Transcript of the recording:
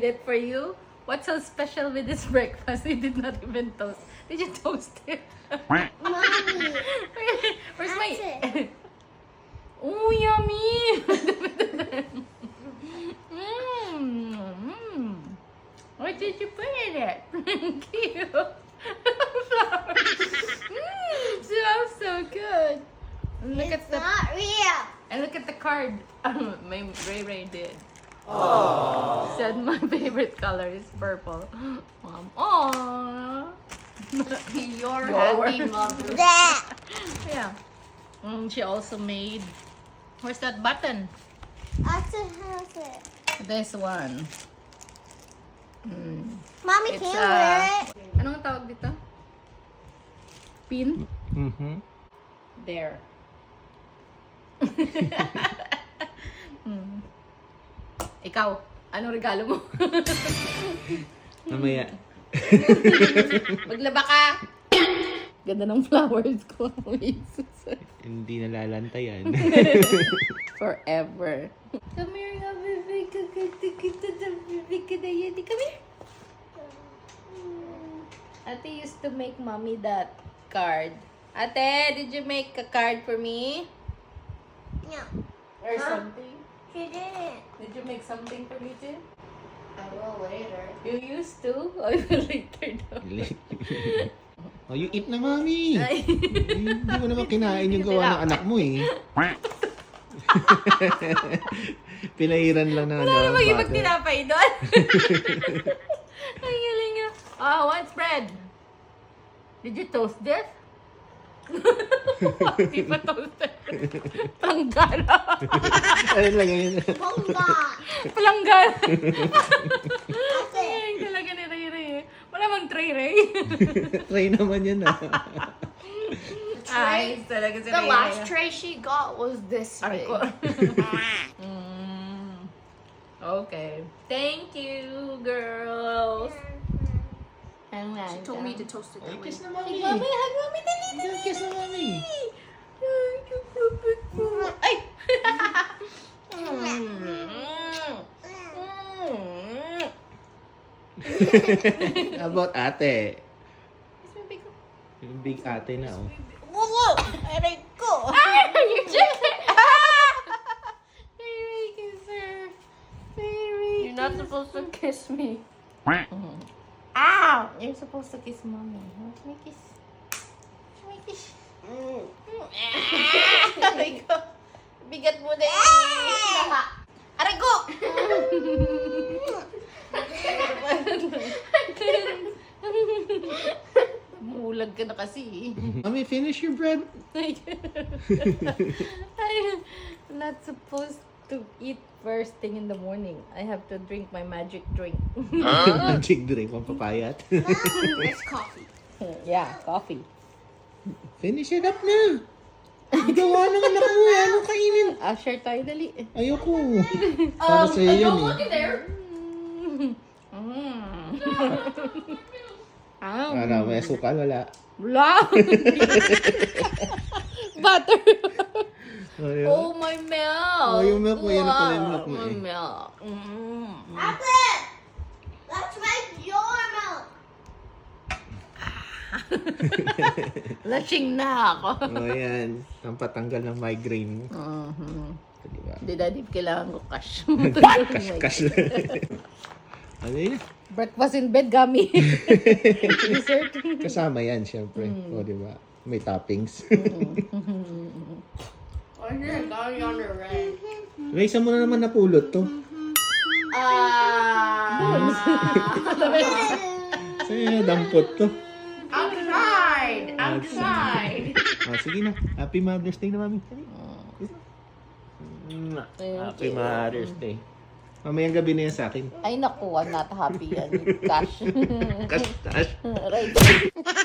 made it for you. What's so special with this breakfast? We did not even toast. Did you toast it? Mommy. Where's That's my... it. Oh, yummy! What did you put in it? Cute. Flowers. Smells so good. And look It's at the not real. and look at the card. My Ray did. Aww. Said my favorite color is purple. Mom, aww. Your Your- happy mother. That. Yeah. She also made. Where's that button? That's it. Has it. This one. Mommy, It's can you wear it? Anong tawag dito? Pin? Mm-hmm. There. Ikaw, anong regalo mo? Mamaya. Maglaba ka! Ganda ng flowers ko. Jesus. Hindi nalalantayan. Forever. Come here, baby. Kita na baby ka na yan. Come here. Ate used to make mommy that card. Ate, did you make a card for me? No. Or Huh? something? She didn't. Did you make something for me too? I will later. You used to? I will later daw. Oh, you eat na, mami. Ay. Hindi mo naman kinain yung gawa ng anak mo eh. Pinahiran lang na Wala namang ibang bata. tinapay doon. Ang galing niya. Oh, what's bread? Did you toast this? Hindi pa toasted. Planggana. Ano lang yun? Bonga. Planggana. That's it. Ay, talaga ni Ray Ray. Wala mang Ray. Try naman yun ah. Ay, talaga si The Ray last Ray. tray she got was this Aray big. ko. Okay. Thank you, girls. She told me to toast it. Ay, kiss na, Hug mami. mommy, hug mommy, dali, dali. Kiss na, mami. Ay! How about ate? Kiss my big ko. Yung big ate na oh. Wow! Aray ko! Ay! You just... Baby, kiss her. Baby, You're not supposed to kiss me. Ow! You're supposed to kiss mommy. Let me kiss. Let me kiss. Aray ko. Bigat mo na eh. Aray ko! Mulag ka na kasi. Mami, finish your bread. I'm not supposed to eat first thing in the morning. I have to drink my magic drink. Magic drink, pampapayat. It's coffee. Yeah, coffee. Finish it up na. Ang gawa ng anak mo eh. Anong kainin? Share tayo dali. Ayoko. Para sa'yo yan Don't eh. look in there. Ano, may asukal, wala. Wala. Butter. Ayun. Oh, my milk. Oh, yung milk mo, yan na pala yung milk mo My eh. milk. Apple. Let's make your milk. Lasing na ako. Oh, yan. Ang patanggal ng migraine. Diba? Hindi, daddy, kailangan ko cash. Cash. Ano yun? Breakfast in bed, gummy. Dessert. Kasama yan, syempre. O, diba? May toppings. Oh, here, got it on the red. May isa mo na naman napulot to. Sa'yo, dampot to. Outside! Outside! Ah, sige na. Happy Mother's Day na, mami. Happy Mother's Day. Mamayang gabi na yan sa akin. Ay, naku, I'm not happy yan. Cash. Cash. Right.